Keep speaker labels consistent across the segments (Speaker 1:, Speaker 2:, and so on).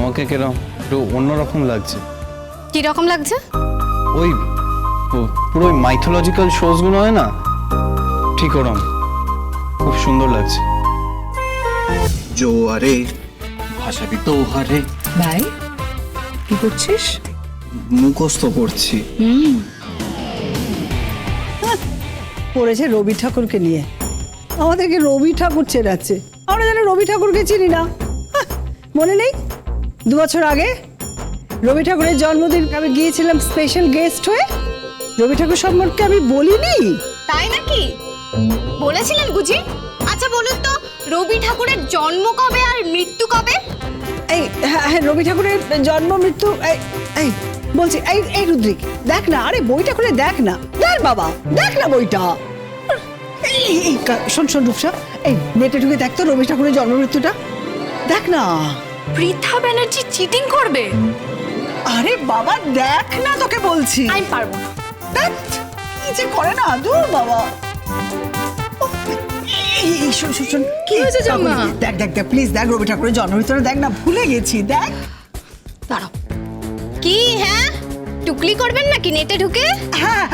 Speaker 1: তোমাকে কিরকম একটু অন্যরকম লাগছে।
Speaker 2: কি রকম লাগছে?
Speaker 1: ওই পুরো মাইথোলজিক্যাল শোজ গুলো হয় না, ঠিক ওরম খুব সুন্দর লাগছে।
Speaker 3: জোয়ারে ভাসাবি দোহারে।
Speaker 4: ভাই কি করছিস?
Speaker 3: মুখস্থ করছি।
Speaker 4: পড়েছে রবি ঠাকুরকে নিয়ে, আমাদেরকে রবি ঠাকুর চেনাচ্ছে। আমরা যেন রবি ঠাকুরকে চিনি না। মনে নেই 2 বছর আগে রবি ঠাকুরের জন্মদিন আমি গিয়েছিলাম স্পেশাল গেস্ট হয়ে। রবি ঠাকুর সম্পর্কে আমি বলিনি?
Speaker 2: তাই নাকি? বলেছিলেন বুঝি? আচ্ছা বলুন তো, রবি ঠাকুরের জন্ম কবে আর মৃত্যু কবে?
Speaker 4: এই হ্যাঁ, রবি ঠাকুরের জন্ম মৃত্যু এই বলছি। এই রুদ্রিক দেখ না, আরে বইটা খুলে দেখ না। দেখ বাবা, দেখ না বইটা। শোন রূপসা, এই নেটে ঢুকে দেখ তো রবি ঠাকুরের জন্ম মৃত্যুটা দেখ না।
Speaker 2: পৃথা ব্যানার্জি চিটিং করবে?
Speaker 4: আরে বাবা দেখ না, তোকে বলছি।
Speaker 2: আমি পারবো না।
Speaker 4: দেখ কি যে করে না, দূর বাবা। শোন
Speaker 2: কি হয়েছে জামা?
Speaker 4: দেখ প্লিজ দেখ, রবি ঠাকুরের জন্ম মৃত্যুটা দেখ না, ভুলে গেছি। দেখ
Speaker 2: দাঁড়াও। কি হ্যাঁ, টুকলি করবেন নাকি নেটে ঢুকে?
Speaker 4: হ্যাঁ,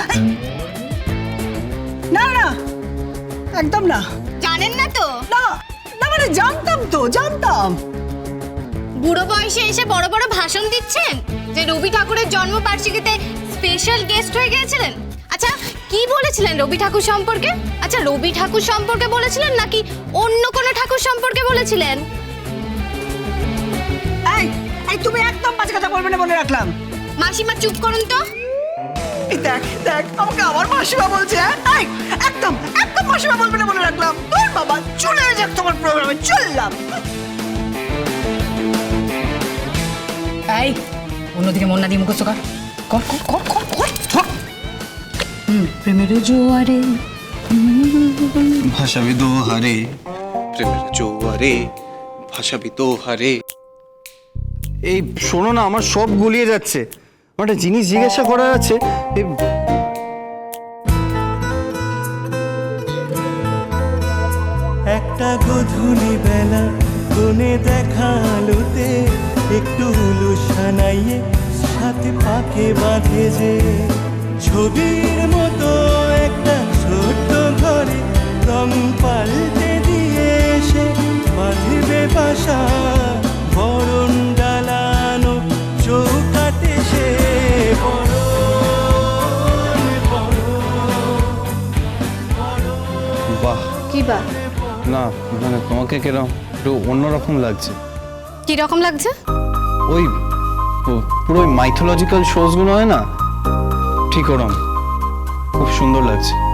Speaker 4: না না একদম না।
Speaker 2: জানেন না তো?
Speaker 4: না না মানে জানতাম।
Speaker 2: বুড়ো বয়সে এসে বড় বড় ভাষণ দিচ্ছেন যে রবি ঠাকুরের জন্মবার্ষিকীতে স্পেশাল গেস্ট হয়ে গিয়েছিলেন। আচ্ছা কি বলেছিলেন রবি ঠাকুর সম্পর্কে? আচ্ছা রবি ঠাকুর সম্পর্কে বলেছিলেন নাকি অন্য কোনো ঠাকুর সম্পর্কে বলেছিলেন?
Speaker 4: এই তুমি একদম বাজে কথা বলবে না, বলে রাখলাম।
Speaker 2: মাসিমা চুপ করুন তো।
Speaker 4: এই দেখ আমাকে আবার মাসিমা বলছে। এই একদম মাসিমা বলবে না, বলে রাখলাম। তোর বাবা চলে যাক তোমার প্রোগ্রামে, চললাম।
Speaker 5: এই অন্যদিকে মন না দিয়ে মুখস্থ কর। প্রেমের জোয়ারে
Speaker 3: ভাসাবি দোহারে, প্রেমের জোয়ারে ভাসাবি দোহারে।
Speaker 1: এই শোনো না, আমার সব গুলিয়ে যাচ্ছে। আমার একটা জিনিস জিজ্ঞাসা করার আছে।
Speaker 6: একটা গধূলি বেলা কোণে দেখা আলোতে একটু হুলু সানাইয়ে সাথে পাকে বাঁধে যে ছবির মতো একটা ছোট্ট ঘরে রং পাল্টে দিয়ে এসে বাঁধবে বাসা বরণ ডালানো চৌকাটে সে
Speaker 1: বাহ,
Speaker 2: কি বা?
Speaker 1: না মানে তোমাকে কিরকম একটু অন্যরকম লাগছে।
Speaker 2: কি রকম লাগছে?
Speaker 1: ওই পুরো মাইথোলজিক্যাল শোজ গুলো হয় না, ঠিক ওরম খুব সুন্দর লাগছে।